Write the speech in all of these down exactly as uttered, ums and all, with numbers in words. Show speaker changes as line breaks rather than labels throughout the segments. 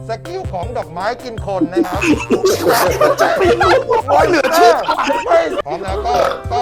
สกิลของดอกไม้กินคนนะครับ
จะไปรู้ว่าเหลือเชื่อ
พร้อมแล้วก็ก็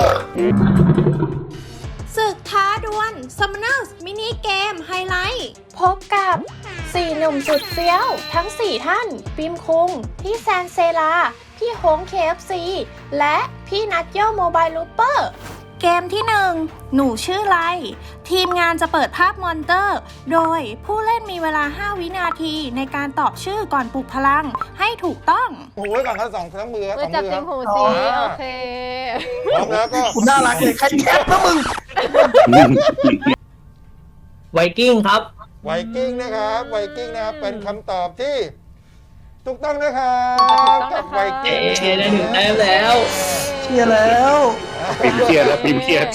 ศึกท้าดวล Summoners มินิเกมไฮไลท์พบกับสี่หนุ่มสุดเฟี้ยวทั้งสี่ท่านปิมคุงพี่แซนเซลาพี่โฮง เค เอฟ ซี และพี่นัทโยโมบายลูปเปอร์เกมที่หนึ่งหนูชื่อไรทีมงานจะเปิดภาพมอนเตอร์โดยผู้เล่นมีเวลาห้าวินาทีในการตอบชื่อก่อนปลุกพลังให้ถูกต้อง
โอ้ยก่อนทั้งสองทั้งมือสองมือ
จับติงหูสิโอเค
พร้อมแล้วก็
คุณน่ารักเลยใครแคปนะมึง
ไวกิ้งครับ
ไวกิ้งนะครับไวกิ้งนะครับเป็นคำตอบที่ถูกต้องนะครับกับไวกิ้ง
เชียร์ได้ถึงแต้มแล้ว
เชียร์แล้ว
ปิมเครียดแล้วปิมเครียด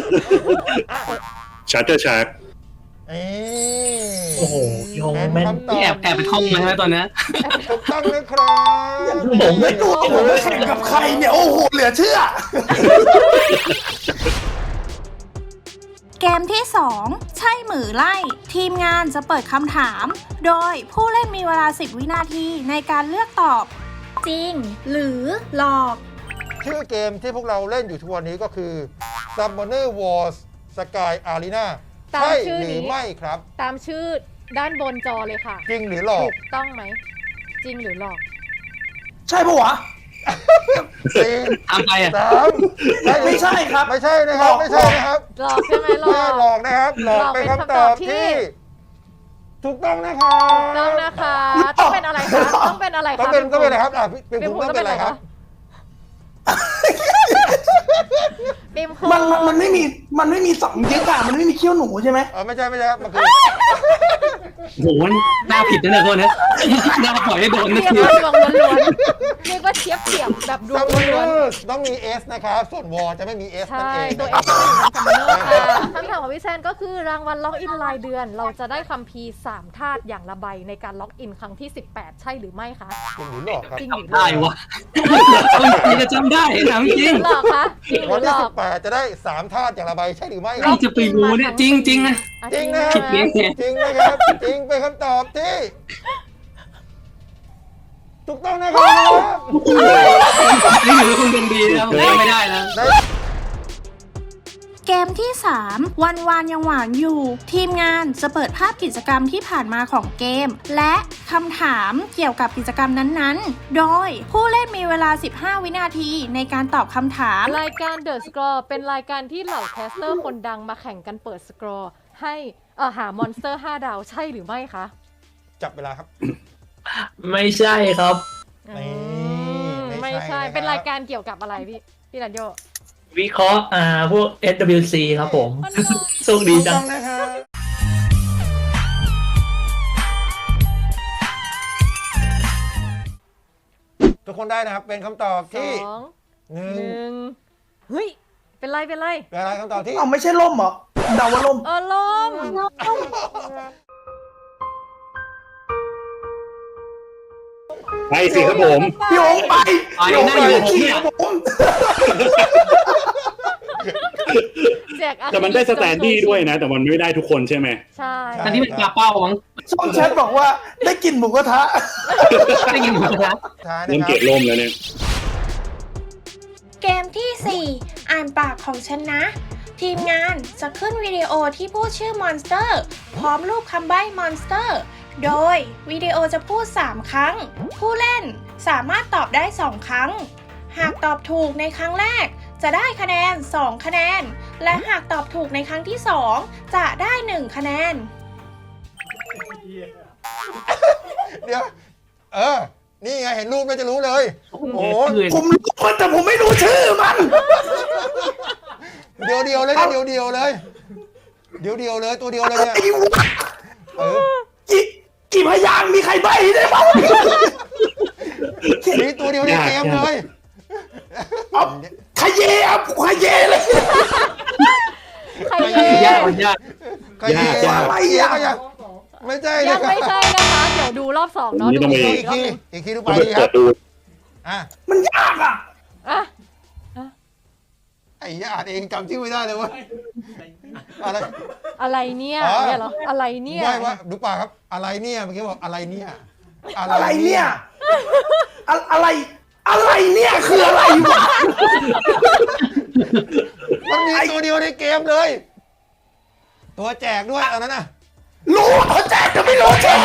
ชาร์เตอร์ชาร์ก
โอ้โหยงแม่นแอบแอบไปท่องมาใช่ไหมตอนนี้
ถูกต้องนะครับ
ผมไม่รู้ผมแข่งกับใครเนี่ยโอ้โหเหลือเชื่อ
เกมที่สองใช่หมือไล่ทีมงานจะเปิดคำถามโดยผู้เล่นมีเวลาสิบวินาทีในการเลือกตอบจริงหรือหลอก
ชื่อเกมที่พวกเราเล่นอยู่ทุกวันนี้ก็คือ Summoner Wars Sky Arena ใช่หรือไม่ครับ
ตามชื่อด้านบนจอเลยค่ะ
จริงหรือหลอก
ถูกต้องไหมจริงหรือหลอก
ใช่ปะวะ
สี่
ทำไปอ่ะ
สาม
ไม่ใช่ครับ
ไม่ใช่นะครับไม่ใช่นะครับ
หลอกใช่ไหมหลอก
หลอกนะครับหลอกเป็นคำตอบที่ถูกต้องนะครับ
ต้องนะคะต้องเป็นอะไรคะต้องเป็นอะไรคะ
ต้องเป็นต้องเป็นอะไรครับอ่ะเป็นผมต้องเป็นอะไรครับ
มันมันไม่มีมันไม่มีสองยึกอะมันไม่มีเขี้ยวหนูใช่ไหม
อ๋อไม่ใช่ไม่ใช่ครับมันคือ
โหหน้าผิดนะเนี่ยคนนี้หน้าปล่อยให้โดนนะ
ทีเรียกว่าดวงล้วนๆเรียกว่าเทียบเทียบแบบดวงล้วน
ๆต้องมี S นะครับส่วนวอจะไม่มี S นั่นเอง
ตัว S จะอยู่ในซัมเมอร์ค่ะคำถามของพี่แซนก็คือรางวัลล็อกอินรายเดือนเราจะได้คัมภีร์สามธาตุอย่างละใบในการล็อกอินครั้งที่สิบแปดใช่หรือไม่คะ
จริงหรือหลอกครับ
จริงหรือ
ได้วะคุณจะจำได้ถามจริง
หลอกคะจริงหรือหลอก
สิบแปดจะได้สามธาตุอย่างละใบใช่หรือไม่
ใครจะไปรู้เนี่ยจริงจริงนะ
จริงนะครับจริงนะครับจริงเป็นคำตอบที่ถูกต้องนะครับ
นี่ถือว่าคุณเป็นดีนะผมไม่ได้นะ
เกมที่สามวันวานยังหวานอยู่ทีมงานจะเปิดภาพกิจกรรมที่ผ่านมาของเกมและคำถามเกี่ยวกับกิจกรรมนั้นๆโดยผู้เล่นมีเวลาสิบห้าวินาทีในการตอบคำถาม
รายการ The Scroll เป็นรายการที่เหล่าแคสเตอร์คนดังมาแข่งกันเปิดสกรอลให้เอ่อหามอนสเตอร์ห้าดาวใช่หรือไม่คะ
จับเวลาครับ
ไม่ใช่ครับ
ไม่ใช่เป็นรายการเกี่ยวกับอะไรพี่พี่รันโย
วิเคราะห์อ่าพวก เอส ดับเบิลยู ซี ครับผมโชคดีจัง
ทุกคนได้นะครับเป็นคำตอบที่
หนึ่งเฮ้ยเป็นไรเป็นไร
เป็นอะไรคำตอบที่
เอาไม่ใช่ล่มเหรอเดาว่าล่ม
เออล่ม
ไปสิครับผม
พี่โอ๋ไป
พี่โอ๋ไปขี้
ผมแต่มันได้สแตนดี้ด้วยนะแต่มันไม่ได้ทุกคนใช่ไหม
ใช่
อันนี้เป็นปลาเป้ามั้ง
ช่องแชทบอกว่าได้กินหมูกระทะ
ได้กินหมูกระทะ
เริ่มเกลียดลมแล้วเนี่ย
เกมที่สี่อ่านปากของฉันนะทีมงานจะขึ้นวิดีโอที่พูดชื่อมอนสเตอร์พร้อมรูปคำใบ้มอนสเตอร์โดยวิดีโอจะพูดสามครั้งผู้เล่นสามารถตอบได้สองครั้งหากตอบถูกในครั้งแรกจะได้คะแนนสองคะแนนและหากตอบถูกในครั้งที่สองจะได้หนึ่งคะแนน
เดี๋ยวเออนี่ไงเห็นรูปแล้วจะรู้เลยโอ้โห
ผมรู้คนแต่ผมไม่รู้ชื่อมัน
เดียวเดียวเลยเดียวเดียวเลยเดียวเดียวเลยตัวเดียวเลยเนี่ยเออ
กี่พยางมีใครใบ้ได้บ้าง
นี่ตัวเดียวในเกมเลย
ขยเย่ครับขยเย่เลย
ขยเย่
ยากยาก
ขยเย่อะไรอ่ะไม่ใช่
ยังไม่ใช่นะคะเดี๋ยวดูรอบสองเนาะดู
อีกทีอีกทีดูไปดีครับ
อ่ะมันยากอ่ะ
อ่ะ
ไอ้ยาเองจำชื่อไม่ได้เลยวะ
อะไรอะไรเนี่ยเนี่ยเหรออะไรเนี่ย
ไม่ว่าดูป่าครับอะไรเนี่ยเมื่อกี้บอกอะไรเนี่ย
อะไรเนี่ยอะอะไร อะไรเนี่ยคืออะไรวะ
มันมีตัวเดียวในเกมเลย ตัวแจกด้วยอันนั้นน่ะ
รู้เขาแจกจะไม่รู้ชื่อ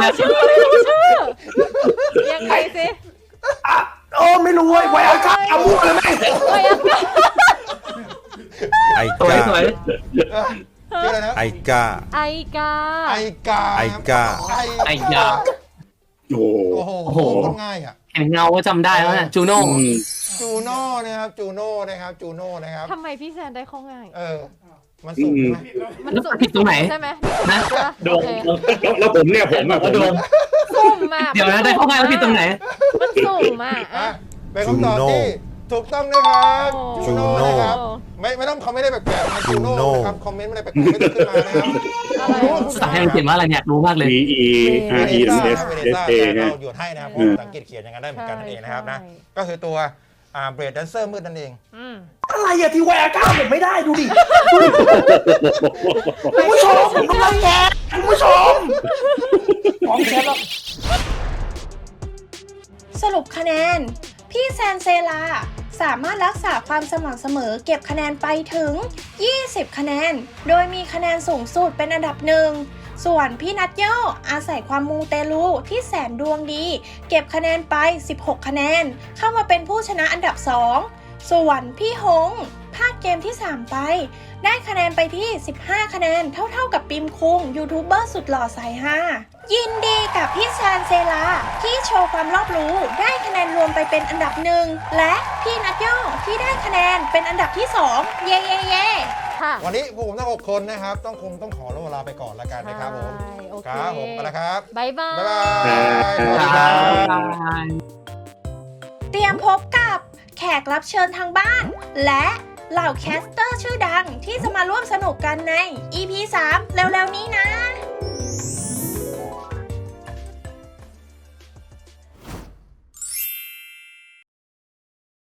ยังไงสิ
อ่ะโอ้ไม่รู้เว้ยไวอาก้าเอาพูดเลยแม่ง
ไวอาก้า
ไอ
สวย
กา
สวย
เออชื่ออะไรนะ
ไอกา
ไอกา
ไอกา
ไอกา
ไอกา
โอ้
โอ้โห
โอ้โห
โคตรง่ายอ่ะ
เห็นเงาก็จำได้แล้วนะจูโน่
อืม
จูโน่นะครับจูโน่นะครับจูโน่นะครับ
ทำไมพี่แซนได้ข้อง่าย
เออมันสุ่มไหม
มัน
แล้ว
สุ่ม
ผิดตรงไหน
ใช่ไหม
นะ
โด
โอน เค
แล้วแล้วผมเนี่ยผมอะผม
โด
อะ
น
สุ่มมา
เดี๋ยวนะได้ข้อง่ายแล้วผิดตรงไหน
มันสุ่มมา
อ่ะ
อ่ะ
เป็นคำตอบที่ถูกต้องนะครับ
โอ้
จูโน่นะครับไม่ไม่ต้องคอมเมนต์ได้แปลกๆนะจูโน่นะครับคอมเมนต์ไม่ได้แปลกๆไม่ต้องขึ้นมานะครับ
อะไร
ภาษาไทยมันเขียนว่าอะไรเนี่ยรู้มากเลย
V E R E S S
เวเน
S
ซ่า
A
เรา
ฮะ
หยดให้นะครับเพราะภาษาอังกฤษเขียนอย่างนั้นได้เหมือนกันนั่นเองนะครับนะก็คือตัวอ่าเบรดแดนเซอร์มืดนั่นเอง
อืม
อะไรอะที่ไวอาก้าผมไม่ได้ดูดิคุณผู้ชมผมกำลังแกะคุณผู้ชมของแชทแล้ว
สรุปคะแนน พี่แซนเซลาสามารถรักษาความสม่ำเสมอเก็บคะแนนไปถึง ยี่สิบ คะแนน โดยมีคะแนนสูงสุดเป็นอันดับหนึ่ง ส่วนพี่นัทโยอาศัยความมูเตลูที่แสนดวงดี เก็บคะแนนไป สิบหก คะแนน เข้ามาเป็นผู้ชนะอันดับ สอง ส่วนพี่หงพลาดเกมที่ สาม ไป ได้คะแนนไปที่ สิบห้า คะแนนเท่าๆกับปิมคุงยูทูบเบอร์สุดหล่อสายฮายินดีกับพี่แซนเซลาที่โชว์ความรอบรู้ได้คะแนนรวมไปเป็นอันดับหนึ่งและพี่นัทโยที่ได้คะแนนเป็นอันดับที่สองเย่เย่เย่
ค่ะ
วันนี้พวกผมทั้งหกคนนะครับต้องคงต้องขอเวลาไปก่อนแล้วกันนะครับผม
ใช่โอเค
ครับผมไปแล้วครับ
บายบาย
บ๊ายบาย
บ๊ายบาย
สวัสดีครับ
เตรียมพบกับแขกรับเชิญทางบ้าน และเหล่าแคสเตอร์ชื่อดังที่จะมาร่วมสนุกกันใน อี พี สาม เร็วๆนี้นะ